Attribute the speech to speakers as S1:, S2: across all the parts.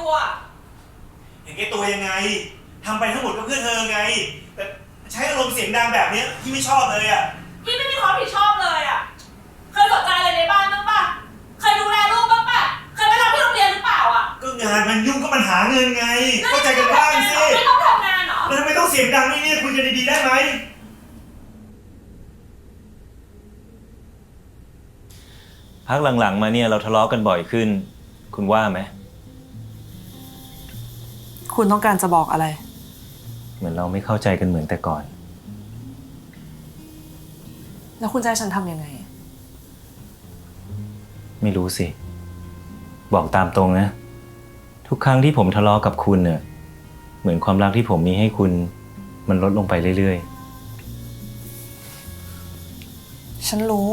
S1: ตัว
S2: เห็นแก่ตัวยังไงทำไปทั้งหมดก็เพื่อเธอไงแต่ใช้อารมณ์เสียงดังแบบนี้พี่ไม่ชอบเลยอ่ะ
S1: พี่ไม่มีความรับผิดชอบเลยอ่ะเคยสนใจอะไรในบ้านบ้างปะเคยดูแลลูกบ้างปะเคยไปทำที่โรงเรียนหรือเปล่าอ่ะ
S2: ก็งานมันยุ่งก็มันหาเงินไงเข้าใจกันบ้างสิ
S1: ไม่ต้องทำงานเหรอ
S2: แล้วทำไมต้องเสียงดังนี่คุยกันดีๆได้ไหม
S3: พักหลังๆมาเนี่ยเราทะเลาะกันบ่อยขึ้นคุณว่าไหม
S4: คุณต้องการจะบอกอะไร
S3: เหมือนเราไม่เข้าใจกันเหมือนแต่ก่อน
S4: แล้วคุณจะให้ฉันทำยังไง
S3: ไม่รู้สิบอกตามตรงนะทุกครั้งที่ผมทะเลาะกับคุณเนี่ยเหมือนความรักที่ผมมีให้คุณมันลดลงไปเรื่อย
S4: ๆฉันรู้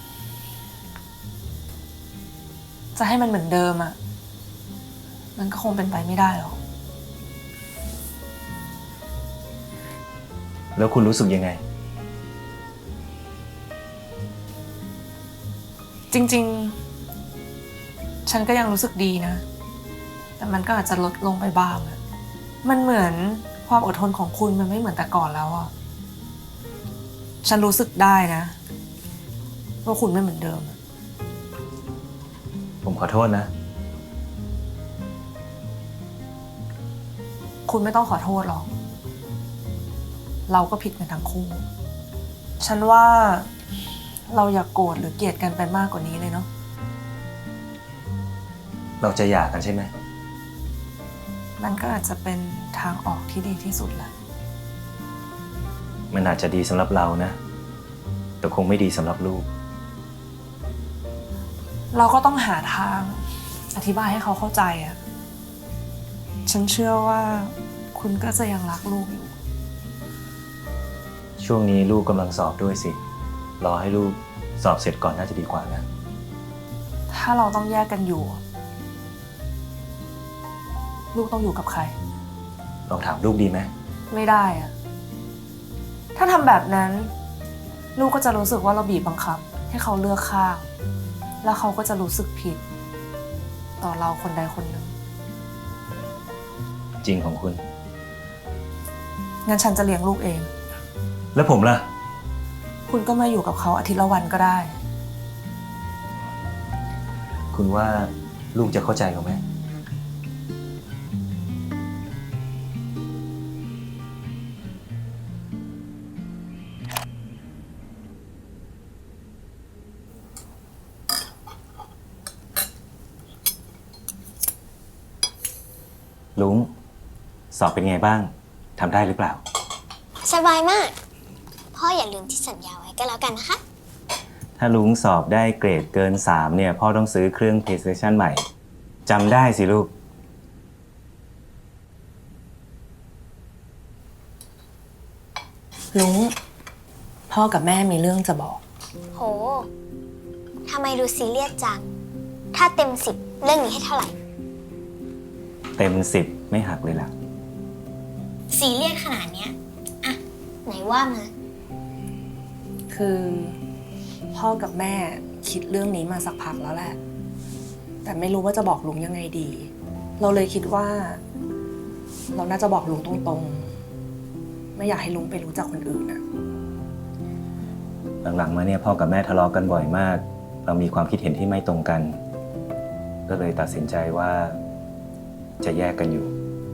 S4: จะให้มันเหมือนเดิมอ่ะมันก็คงเป็นไปไม่ได้หรอก
S3: แล้วคุณรู้สึกยังไง
S4: จริงๆฉันก็ยังรู้สึกดีนะแต่มันก็อาจจะลดลงไปบ้างอะมันเหมือนความอดทนของคุณมันไม่เหมือนแต่ก่อนแล้วอ่ะฉันรู้สึกได้นะว่าคุณไม่เหมือนเดิม
S3: ผมขอโทษนะ
S4: คุณไม่ต้องขอโทษหรอกเราก็ผิดกันทั้งคู่ฉันว่าเราอย่าโกรธหรือเกลียดกันไปมากกว่านี้เลยเนาะ
S3: เราจะหย่ากันใช่ไหม
S4: มันก็อาจจะเป็นทางออกที่ดีที่สุดแหละ
S3: มันอาจจะดีสำหรับเรานะแต่คงไม่ดีสำหรับลูก
S4: เราก็ต้องหาทางอธิบายให้เขาเข้าใจอ่ะฉันเชื่อว่าคุณก็จะยังรักลูกอยู่
S3: ช่วงนี้ลูกกำลังสอบด้วยสิรอให้ลูกสอบเสร็จก่อนน่าจะดีกว่านะ
S4: ถ้าเราต้องแยกกันอยู่ลูกต้องอยู่กับใคร
S3: ลองถามลูกดีไหม
S4: ไม่ได้อะถ้าทำแบบนั้นลูกก็จะรู้สึกว่าเราบีบบังคับให้เขาเลือกข้างแล้วเขาก็จะรู้สึกผิดต่อเราคนใดคนหนึ่ง
S3: จริงของคุณ
S4: งั้นฉันจะเลี้ยงลูกเอง
S3: แล้วผมล่ะ
S4: คุณก็มาอยู่กับเขาอาทิตย์ละวันก็ได้
S3: คุณว่าลูกจะเข้าใจเขาไหมลุงสอบเป็นไงบ้างทำได้หรือเปล่า
S5: สบายมากพ่ออย่าลืมที่สัญญาไว้ก็แล้วกันนะคะ
S3: ถ้าลุงสอบได้เกรดเกิน3เนี่ยพ่อต้องซื้อเครื่อง PlayStation ใหม่จำได้สิลูก
S4: ลุงพ่อกับแม่มีเรื่องจะบอก
S5: โหทำไมดูซีเรียสจังถ้าเต็ม10เรื่องนี้ให้เท่าไหร่
S3: เต็ม10ไม่หักเลยล่ะ
S5: ซีเรียสขนาดเนี้ยอะไหนว่ามา
S4: คือพ่อกับแม่คิดเรื่องนี้มาสักพักแล้วแหละแต่ไม่รู้ว่าจะบอกลุงยังไงดีเราเลยคิดว่าเราน่าจะบอกลุงตรงๆไม่อยากให้ลุงไปรู้จักคนอื่นนะ
S3: หลังๆมาเนี่ยพ่อกับแม่ทะเลาะกันบ่อยมากเรามีความคิดเห็นที่ไม่ตรงกันก็เลยตัดสินใจว่าจะแยกกันอยู่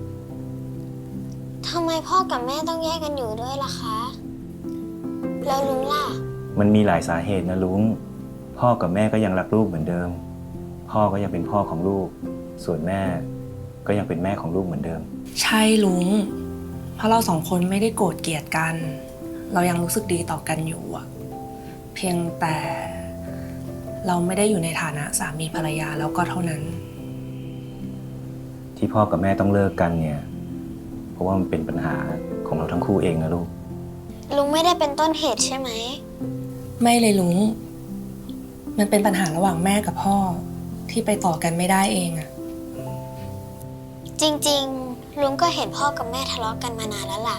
S5: ทำไมพ่อกับแม่ต้องแยกกันอยู่ด้วยล่ะคะแล้วลุงล่ะ
S3: มันมีหลายสาเหตุนะลุงพ่อกับแม่ก็ยังรักลูกเหมือนเดิมพ่อก็ยังเป็นพ่อของลูกส่วนแม่ก็ยังเป็นแม่ของลูกเหมือนเดิม
S4: ใช่ลุงเพราะเราสองคนไม่ได้โกรธเกลียดกันเรายังรู้สึกดีต่อกันอยู่อะเพียงแต่เราไม่ได้อยู่ในฐานะสามีภรรยาแล้วก็เท่านั้น
S3: ที่พ่อกับแม่ต้องเลิกกันเนี่ยเพราะว่ามันเป็นปัญหาของเราทั้งคู่เองนะลูก
S5: ลุงไม่ได้เป็นต้นเหตุใช่ไหม
S4: ไม่เลยลุงมันเป็นปัญหาระหว่างแม่กับพ่อที่ไปต่อกันไม่ได้เองอะ
S5: จริงๆลุงก็เห็นพ่อกับแม่ทะเลาะกันมานานแล้วล่ะ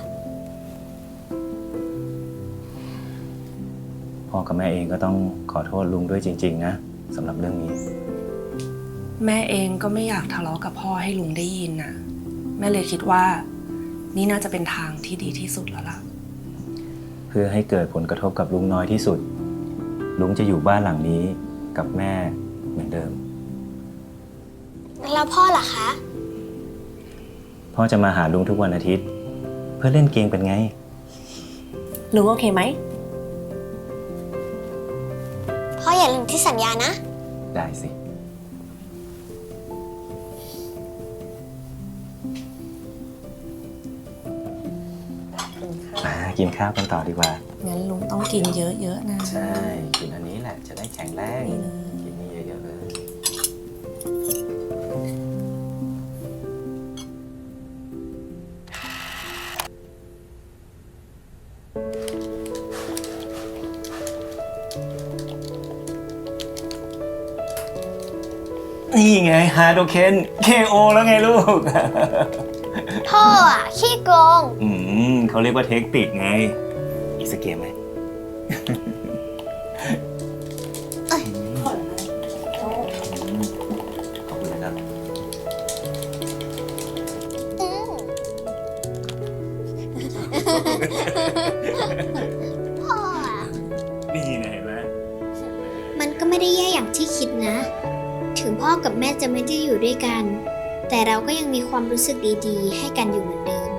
S3: พ่อกับแม่เองก็ต้องขอโทษลุงด้วยจริงๆนะสำหรับเรื่องนี้
S4: แม่เองก็ไม่อยากทะเลาะกับพ่อให้ลุงได้ยินน่ะ แม่เลยคิดว่า นี่น่าจะเป็นทางที่ดีที่สุดแล้วล่ะ
S3: เพื่อให้เกิดผลกระทบกับลุงน้อยที่สุด ลุงจะอยู่บ้านหลังนี้กับแม่เหมือนเดิม
S5: แล้วพ่อล่ะคะ
S3: พ่อจะมาหาลุงทุกวันอาทิตย์ เพื่อเล่นเกมเป็นไง
S4: ลุงโอเคไหม
S5: พ่ออย่าลืมที่สัญญานะ
S3: ได้สิ กินข้าวกันต่อดีกว่า
S4: งั้นลุงต้องกินเยอะๆนะ
S3: ใช่ กินอันนี้แหละจะได้แข็งแรง
S4: นี่เลย
S3: กินนี่เยอะๆเลย นี่ไงฮาโดเคน KO แล้วไงลูก
S5: พ่ออ่ะขี้โกง
S3: เขาเรียกว่าเทคนิคไง อีกสักเกมไหม ขอบคุณนะครับ
S5: พ่ออ่ะ
S3: นี่นะเห็นไหม
S5: มันก็ไม่ได้แย่อย่างที่คิดนะ ถึงพ่อกับแม่จะไม่ได้อยู่ด้วยกัน แต่เราก็ยังมีความรู้สึกดีๆ ให้กันอยู่เหมือนเดิม